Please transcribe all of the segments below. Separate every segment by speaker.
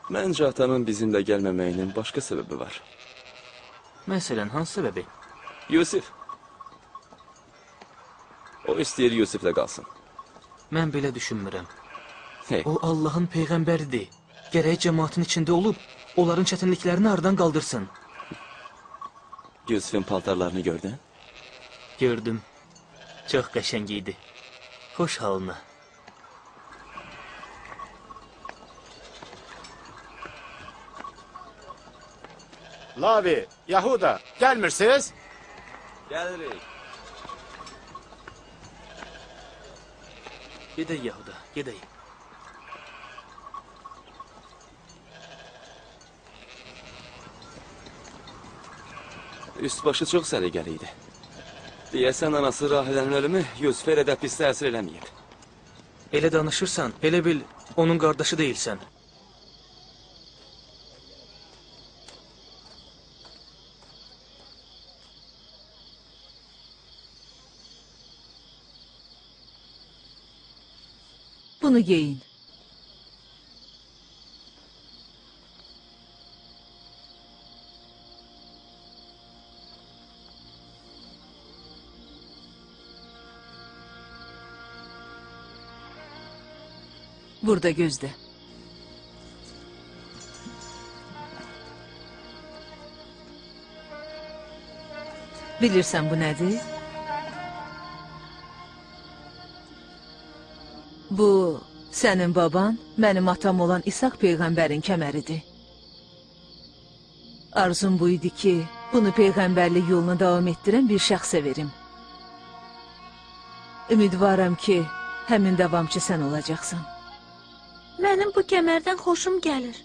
Speaker 1: Məncə atanın bizimlə gəlməməyinin başqa səbəbi var.
Speaker 2: Məsələn, hansı səbəbi?
Speaker 1: Yusif. O istəyir Yusiflə qalsın.
Speaker 2: Mən belə düşünmürəm.
Speaker 1: Hey,
Speaker 2: O Allahın peyğəmbəridir. Gərək cəmaatın içində olub, onların çətinliklərini aradan qaldırsın.
Speaker 1: Yusifin paltarlarını gördün?
Speaker 2: Gördüm. Çox qəşəng idi. Xoş halına.
Speaker 3: Lavi, Yahuda, gelmirsiniz?
Speaker 1: Gəlirik.
Speaker 2: Gedək Yahuda, gedək.
Speaker 1: Üst-başı çox səliqəli idi. Deyəsən anası Rahilənin ölümü Yusifə elə də pis təsir eləməyib.
Speaker 2: Elə danışırsan, elə bil onun qardaşı deyilsən.
Speaker 4: Bunu giyin. Burada gözle. Bilirsən bu nədir? Bu, sənin baban, mənim atam olan İshak peyğəmbərin kəməridir. Arzum bu idi ki, bunu peyğəmbərlik yoluna davam etdirən bir şəxsə verim. Ümidvaram ki, həmin davamçı sən olacaqsan.
Speaker 5: Mənim bu kəmərdən xoşum gəlir.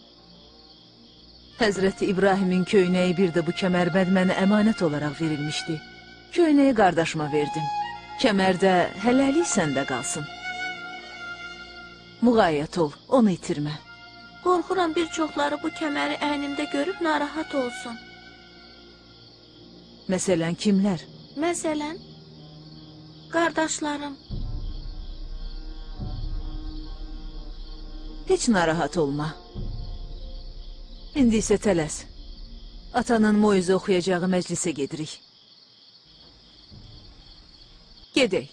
Speaker 4: Həzrəti İbrahimin köynəyi bir də bu kəmərbənd mənə əmanət olaraq verilmişdi. Köynəyi qardaşıma verdim. Kəmər də hələlik səndə qalsın. Müğayyət ol, onu itirmə.
Speaker 5: Qorxuram bir çoxları bu kəməri əynimdə görüb narahat olsun.
Speaker 4: Məsələn, kimlər?
Speaker 5: Məsələn, qardaşlarım.
Speaker 4: Heç narahat olma. İndi isə tələs. Atanın moizə oxuyacağı məclisə gedirik. Gedək.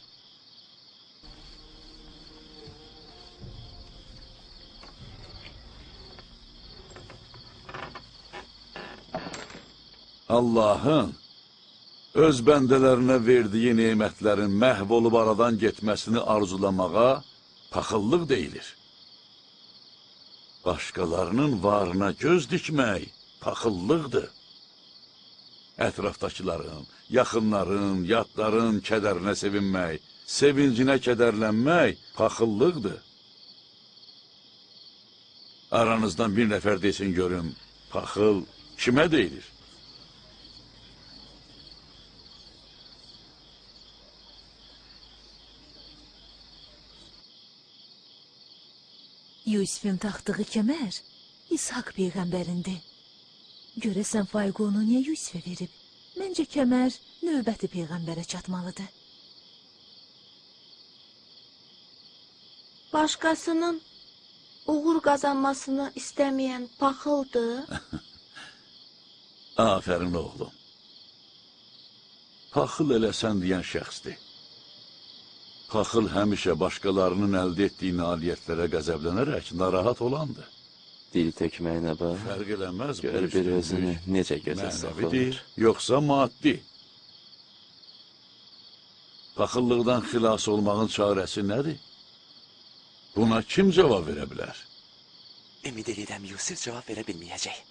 Speaker 6: Allahın öz bəndələrinə verdiyi nemətlərin məhv olub aradan getməsini arzulamağa paxıllıq deyilir. Başqalarının varına göz dikmək paxıllıqdır. Ətrafdakıların, yaxınların, yadların kədərinə sevinmək, sevincinə kədərlənmək paxıllıqdır. Aranızdan bir nəfər desin görüm, paxıl kimə deyilir?
Speaker 4: Yusifin taxtığı kəmər İshak peyğəmbərindir. Görəsən fayqı onu niyə Yusifə verib? Məncə kəmər növbəti peyğəmbərə çatmalıdır.
Speaker 5: Başqasının uğur qazanmasını istəməyən paxıldır.
Speaker 6: Afərin oğlum. Paxıl elə sən deyən şəxsdir. Paxıl həmişə başqalarının əldə etdiyi nailiyyətlərə qəzəblənərək narahat olandır.
Speaker 1: Dil tökməyinə bax.
Speaker 6: Fərq eləməz.
Speaker 1: Gör bir özünü necə gözə saxlayır.
Speaker 6: Mənəvidir, yoxsa maddi. Paxıllıqdan xilas olmağın çarəsi nədir? Buna kim cavab verə bilər?
Speaker 1: Ümid edirəm Yusif cavab verə bilməyəcək.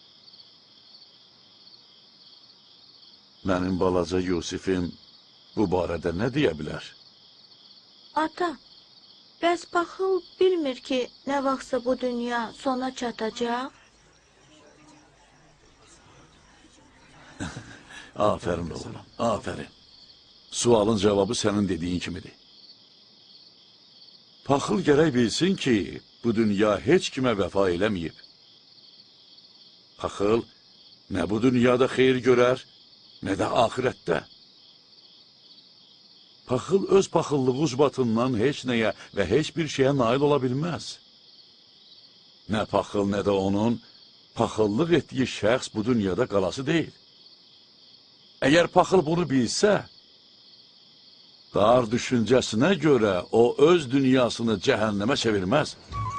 Speaker 6: Mənim balaca Yusifim bu barədə nə deyə bilər?
Speaker 5: Ata, bəs paxıl bilmir ki, nə vaxtsa bu dünya sona çatacaq?
Speaker 6: Afərin oğlum, afərin. Sualın cavabı sənin dediyin kimidir. Paxıl gərək bilsin ki, bu dünya heç kimə vəfa eləməyib. Paxıl nə bu dünyada xeyir görər, nə də axirətdə. Paxıl öz paxıllığı ucbatından heç nəyə və heç bir şeyə nail ola bilməz. Nə paxıl, nə də onun paxıllıq etdiyi şəxs bu dünyada qalası deyil. Əgər paxıl bunu bilsə, dar düşüncəsinə görə o öz dünyasını cəhənnəmə çevirməz.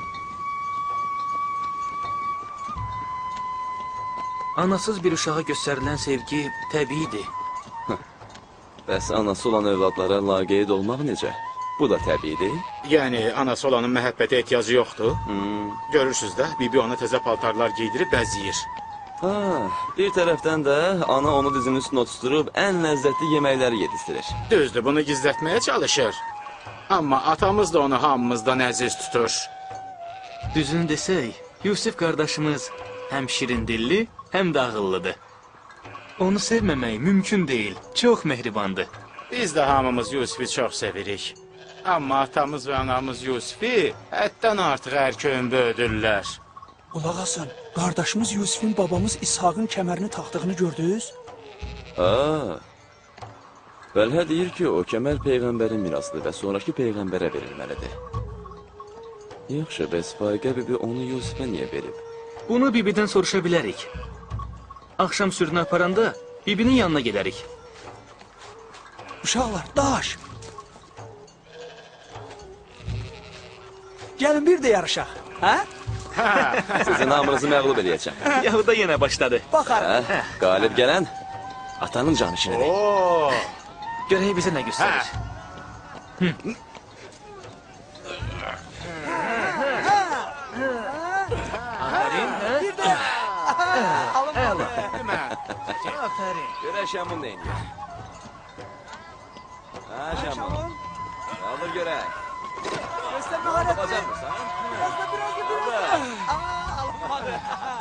Speaker 2: Anasız bir uşağa göstərilən sevgi təbiidir.
Speaker 1: Bəs anası olan övladlara laqeyd olmaq necə? Bu da təbiidir.
Speaker 3: Yəni anası olanın məhəbbətə ehtiyacı yoxdur. Görürsüz də, bibi ona təzə paltarlar giydirib bəzəyir.
Speaker 1: Ha, bir tərəfdən də ana onu dizinin üstünə oturtdurub ən ləzzətli yeməkləri yedizdirir.
Speaker 3: Düzdür, bunu gizlətməyə çalışır. Amma atamız da onu hamımızdan əziz tutur.
Speaker 2: Düzünü desək, Yusif qardaşımız həm şirin dilli, həm də ağıllıdır. Onu sevməmək mümkün deyil, çox mehribandır.
Speaker 3: Biz də hamımız Yusifi çox sevirik. Amma atamız və anamız Yusifi həddən artıq ərköyün böyüdürlər.
Speaker 7: Qulaq asın, qardaşımız Yusifin babamız İshaqın kəmərini taxdığını gördünüz?
Speaker 1: Ha. Bəlhə deyir ki, o kəmər peyğəmbərin mirasıdır və sonraki peyğəmbərə verilməlidir. Yaxşı, bəs Faiqə bibi onu Yusifə niyə verib?
Speaker 2: Bunu bibidən soruşa bilərik. Axşam sürünü aparanda bibinin yanına gedərik.
Speaker 7: Uşaqlar, daş! Gəlin bir də yarışaq, hə?
Speaker 1: Sizin hamınızı məğlub edəcəm.
Speaker 2: Yahuda yenə başladı.
Speaker 7: Baxarım.
Speaker 1: Hə, qalib gələn atanın canı işinidir.
Speaker 3: Oo!
Speaker 2: Görək bizə nə göstərir.
Speaker 1: Görək Şamun neyini. Ha Şamun. Alır görək.
Speaker 7: Göstər məharət.
Speaker 1: Bacarmırsan?
Speaker 7: Biraz da alınmadı.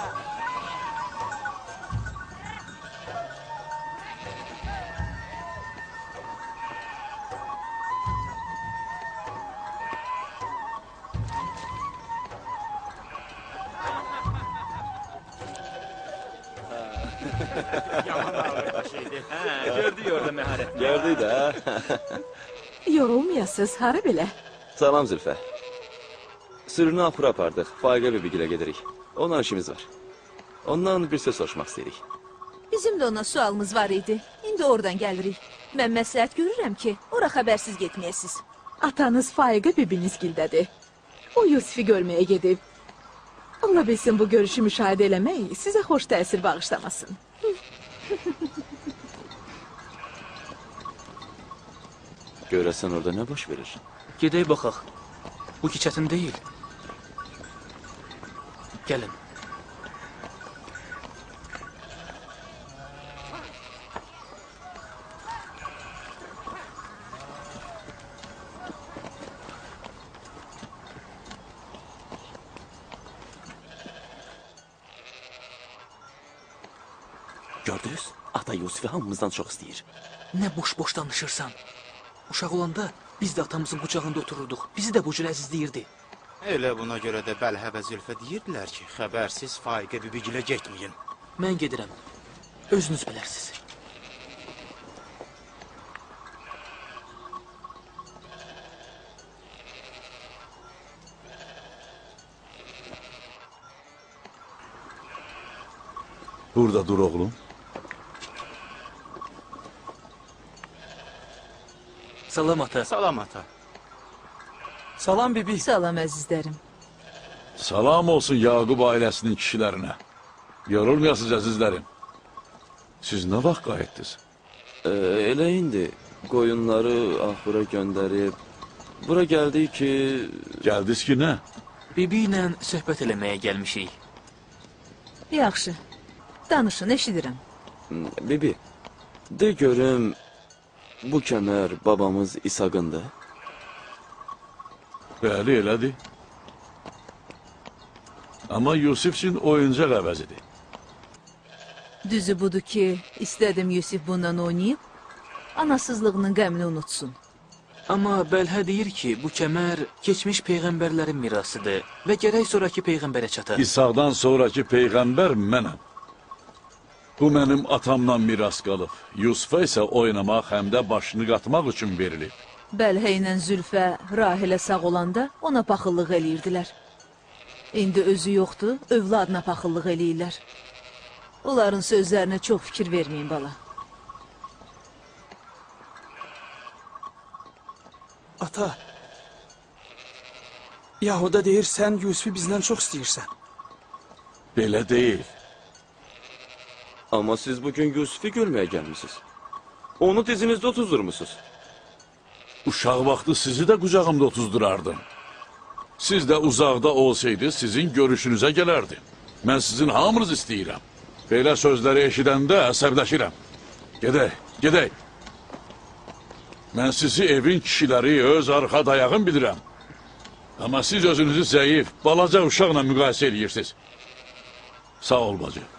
Speaker 2: Gördük orada məharət.
Speaker 1: Gördük də.
Speaker 4: Yorulmayasız, hara belə?
Speaker 1: Salam Zülfə. Sürünü apura apardıq. Faiqə bibigilə gedirik. Ondan işimiz var. Ondan bir söz soruşmaq istəyirik.
Speaker 4: Bizim də ona sualımız var idi. İndi oradan gəlirik. Mən məsləhət görürəm ki, ora xəbərsiz getməyəsiz.
Speaker 8: Atanız Faiqə bibiniz gildədir. O Yusifi görməyə gedib. Ola bilsin bu görüşü müşahidə eləmək sizə xoş təsir bağışlamasın.
Speaker 1: Görəsən orada nə baş verir?
Speaker 2: Gedək baxaq. Bu ki çətin deyil. Gəlin.
Speaker 1: Gördünüz? Ata Yusifi hamımızdan çox istəyir.
Speaker 2: Nə boş-boş danışırsan? Uşaq olanda biz də atamızın qucağında otururduq. Bizi də bu cür əzizləyirdi.
Speaker 3: Elə buna görə də Bəlhə və Zülfə deyirdilər ki, xəbərsiz Faiqə bibigilə getməyin.
Speaker 2: Mən gedirəm. Özünüz bilərsiz.
Speaker 6: Burada dur oğlum.
Speaker 2: Salam ata.
Speaker 3: Salam ata.
Speaker 7: Salam bibi.
Speaker 4: Salam əzizlərim.
Speaker 6: Salam olsun Yaqub ailəsinin kişilərinə. Yorulmayasınız əzizlərim. Siz nə vaxt qayıtdınız?
Speaker 1: Elə indi qoyunları axura göndərib bura gəldik ki...
Speaker 6: Gəldiniz ki nə?
Speaker 2: Bibi ilə söhbət eləməyə gəlmişik.
Speaker 4: Yaxşı. Danışın, eşidirəm.
Speaker 1: Bibi, de görüm bu kəmər babamız İsaqındır.
Speaker 6: Bəli, elədir. Amma Yusif üçün oyuncaq əvəzidir.
Speaker 4: Düzü budur ki, istədim Yusif bundan oynayıb, anasızlığının qəmini unutsun.
Speaker 2: Amma Bəlhə deyir ki, bu kəmər keçmiş peyğəmbərlərin mirasıdır və gərək sonraki peyğəmbərə çatar.
Speaker 6: İsaqdan sonraki peyğəmbər mənəm. Bu mənim atamdan miras qalıb. Yusufa isə oynamaq həm də başını qatmaq üçün verilib.
Speaker 4: Bəlhə ilə Zülfə, Rahilə sağ olanda ona paxıllıq eləyirdilər. İndi özü yoxdur, övladına paxıllıq eləyirlər. Onların sözlərinə çox fikir verməyin bala.
Speaker 7: Ata, Yahuda deyir, sən Yusifi bizdən çox istəyirsən.
Speaker 6: Belə deyil.
Speaker 1: Amma siz bugün Yusifi görməyə gəlmişsiniz. Onu dizinizdə otuzdurmusunuz.
Speaker 6: Uşaq vaxtı sizi də qucağımda otuzdurardım. Siz də uzaqda olsaydı sizin görüşünüzə gələrdim. Mən sizin hamınız istəyirəm. Belə sözləri eşidəndə əsəbləşirəm. Gedək, gedək. Mən sizi evin kişiləri öz arxa dayağım bilirəm. Amma siz özünüzü zəif, balaca uşaqla müqayisə edirsiniz. Sağ ol bacı.